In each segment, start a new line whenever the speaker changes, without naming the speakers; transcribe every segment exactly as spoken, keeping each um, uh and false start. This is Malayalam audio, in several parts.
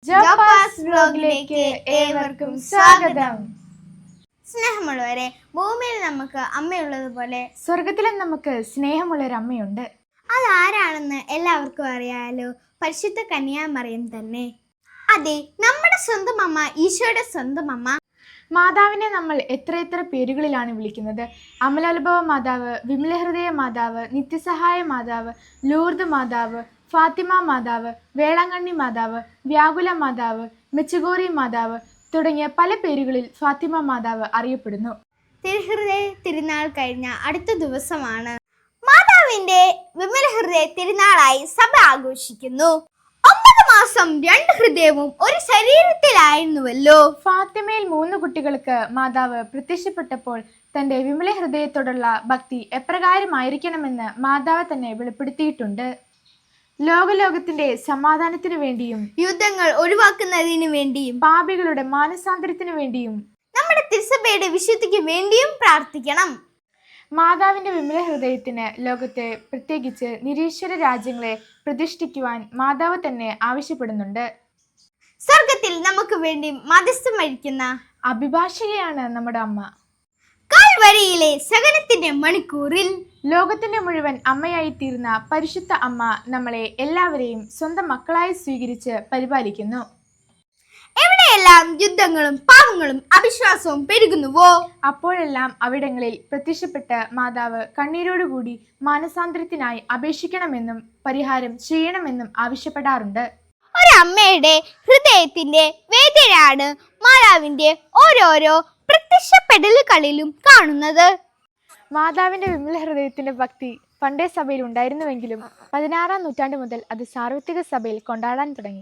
ജോപ്പാസ് വ്ലോഗിലേക്ക് ഏവർക്കും സ്വാഗതം.
സ്നേഹമുള്ളവരെ, ഭൂമിയിൽ നമുക്ക് അമ്മയുള്ളതുപോലെ
സ്വർഗത്തിലും നമുക്ക് സ്നേഹമുള്ളൊരു അമ്മയുണ്ട്.
അതാരാണെന്ന് എല്ലാവർക്കും അറിയാലോ, പരിശുദ്ധ കന്യാമറിയം തന്നെ. അതെ, നമ്മുടെ സ്വന്തം അമ്മ, ഈശോയുടെ സ്വന്തം അമ്മ.
മാതാവിനെ നമ്മൾ എത്രയെത്ര പേരുകളിലാണ് വിളിക്കുന്നത്. അമലോത്ഭവ മാതാവ്, വിമലഹൃദയ മാതാവ്, നിത്യസഹായ മാതാവ്, ലൂർദ് മാതാവ്, ഫാത്തിമ മാതാവ്, വേളാങ്കണ്ണി മാതാവ്, വ്യാകുല മാതാവ്, മെച്ചുഗോറി മാതാവ് തുടങ്ങിയ പല പേരുകളിൽ ഫാത്തിമ മാതാവ് അറിയപ്പെടുന്നു.
തിരുഹൃദയ തിരുനാൾ കഴിഞ്ഞ അടുത്ത ദിവസമാണ് മാതാവിന്റെ വിമലഹൃദയ തിരുനാളായി സഭ ആഘോഷിക്കുന്നു. ഒമ്പത് മാസം രണ്ട് ഹൃദയവും ഒരു ശരീരത്തിലായിരുന്നുവല്ലോ.
ഫാത്തിമയിൽ മൂന്ന് കുട്ടികൾക്ക് മാതാവ് പ്രത്യക്ഷപ്പെട്ടപ്പോൾ തന്റെ വിമല ഹൃദയത്തോടുള്ള ഭക്തി എപ്രകാരമായിരിക്കണമെന്ന് മാതാവ് തന്നെ വെളിപ്പെടുത്തിയിട്ടുണ്ട്. ലോകലോകത്തിന്റെ സമാധാനത്തിനു വേണ്ടിയും
യുദ്ധങ്ങൾ ഒഴിവാക്കുന്നതിനു വേണ്ടിയും
പാപികളുടെ മാനസാന്തരത്തിനു വേണ്ടിയും
നമ്മുടെ തിരുസഭയുടെ വിശുദ്ധിക്ക് വേണ്ടിയും പ്രാർത്ഥിക്കണം.
മാതാവിന്റെ വിമല ഹൃദയത്തിന് ലോകത്തെ, പ്രത്യേകിച്ച് നിരീശ്വര രാജ്യങ്ങളെ പ്രതിഷ്ഠിക്കുവാൻ മാതാവ് തന്നെ ആവശ്യപ്പെടുന്നുണ്ട്.
സ്വർഗത്തിൽ നമുക്ക് വേണ്ടി മധ്യസ്ഥം വഹിക്കുന്ന
അഭിഭാഷകയാണ് നമ്മുടെ അമ്മ.
കാൽവരിയിലെ സഹനത്തിന്റെ മണിക്കൂറിൽ
ലോകത്തിന്റെ മുഴുവൻ അമ്മയായി തീർന്ന പരിശുദ്ധ അമ്മ നമ്മളെ എല്ലാവരെയും സ്വന്തം മക്കളായി സ്വീകരിച്ച് പരിപാലിക്കുന്നു.
എവിടെയെല്ലാം യുദ്ധങ്ങളും പാവങ്ങളും അവിശ്വാസവും പെരുകുന്നുവോ,
അപ്പോഴെല്ലാം അവിടങ്ങളിൽ പ്രത്യക്ഷപ്പെട്ട് മാതാവ് കണ്ണീരോടുകൂടി മാനസാന്തരത്തിനായി അപേക്ഷിക്കണമെന്നും പരിഹാരം ചെയ്യണമെന്നും ആവശ്യപ്പെടാറുണ്ട്.
ഒരമ്മയുടെ ഹൃദയത്തിന്റെ വേദനയാണ് മാതാവിന്റെ ഓരോരോ പ്രത്യക്ഷപ്പെടലുകളിലും കാണുന്നത്.
മാതാവിന്റെ വിമല ഹൃദയത്തിന്റെ ഭക്തി പണ്ടേ സഭയിൽ ഉണ്ടായിരുന്നുവെങ്കിലും പതിനാറാം നൂറ്റാണ്ട് മുതൽ അത് സാർവത്രിക സഭയിൽ കൊണ്ടാടാൻ തുടങ്ങി.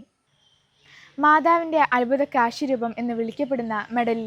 മാതാവിന്റെ അത്ഭുത കാശിരൂപം എന്ന് വിളിക്കപ്പെടുന്ന മെഡലിൽ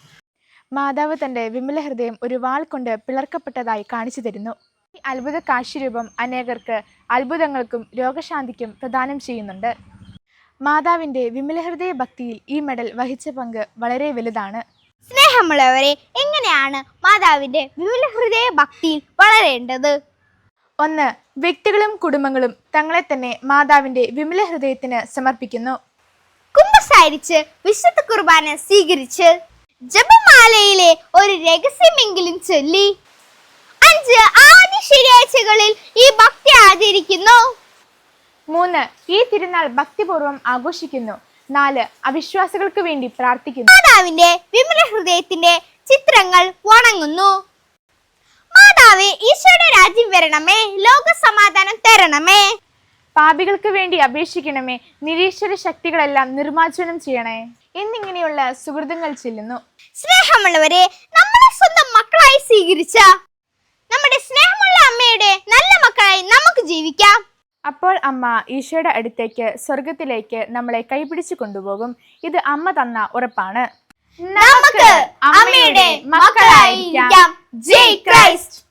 മാതാവ് തന്റെ വിമല ഹൃദയം ഒരു വാൾ കൊണ്ട് പിളർക്കപ്പെട്ടതായി കാണിച്ചു തരുന്നു. ഈ അത്ഭുത കാശിരൂപം അനേകർക്ക് അത്ഭുതങ്ങൾക്കും രോഗശാന്തിക്കും പ്രദാനം ചെയ്യുന്നുണ്ട്. മാതാവിന്റെ വിമല ഹൃദയ ഭക്തിയിൽ ഈ മെഡൽ വഹിച്ച പങ്ക് വളരെ വലുതാണ്.
സ്നേഹമുള്ളവരെ, എങ്ങനെയാണ് മാതാവിന്റെ വിമല ഹൃദയ ഭക്തിയിൽ വളരേണ്ടത്?
ഒന്ന്, വ്യക്തികളും കുടുംബങ്ങളും തങ്ങളെ തന്നെ മാതാവിന്റെ വിമല ഹൃദയത്തിന് സമർപ്പിക്കുന്നു.
കുമ്പസാരിച്ച് വിശുദ്ധ കുർബാന സ്വീകരിച്ച് ജപമാലയിലെ ഒരു രഹസ്യമെങ്കിലും ചൊല്ലി അഞ്ച് ആദ്യ ശനിയാഴ്ചകളിൽ ഈ ഭക്തി ആചരിക്കുന്നു.
മൂന്ന്, ഈ തിരുനാൾ ഭക്തിപൂർവ്വം ആഘോഷിക്കുന്നു. നാല്, അവിശ്വാസികൾക്ക് വേണ്ടി പ്രാർത്ഥിക്കുന്നു.
മാതാവിന്റെ വിമല ഹൃദയത്തിന്റെ ചിത്രങ്ങൾ വണങ്ങുന്നു. മാതാവേ, ഈശോയുടെ രാജ്യം വരണമേ, ലോക സമാധാനം തരണമേ,
പാപികൾക്ക് വേണ്ടി അപേക്ഷിക്കണമേ, നിരീശ്വര ശക്തികളെല്ലാം നിർമ്മാർജ്ജനം ചെയ്യണേ എന്നിങ്ങനെയുള്ള സുഹൃത്തുക്കൾ ചെല്ലുന്നു.
സ്നേഹമുള്ളവരെ, നമ്മളെ സ്വന്തം മക്കളായി സ്വീകരിച്ച നമ്മുടെ സ്നേഹമുള്ള അമ്മയുടെ നല്ല മക്കളായി നമുക്ക് ജീവിക്കാം.
അപ്പോൾ അമ്മ ഈശോയുടെ അടുത്തേക്ക്, സ്വർഗത്തിലേക്ക് നമ്മളെ കൈപിടിച്ചു കൊണ്ടുപോകും. ഇത് അമ്മ തന്ന ഉറപ്പാണ്.
നമുക്ക് അമ്മയുടെ മക്കളായിരിക്കാം. ജയ് ക്രൈസ്റ്റ്.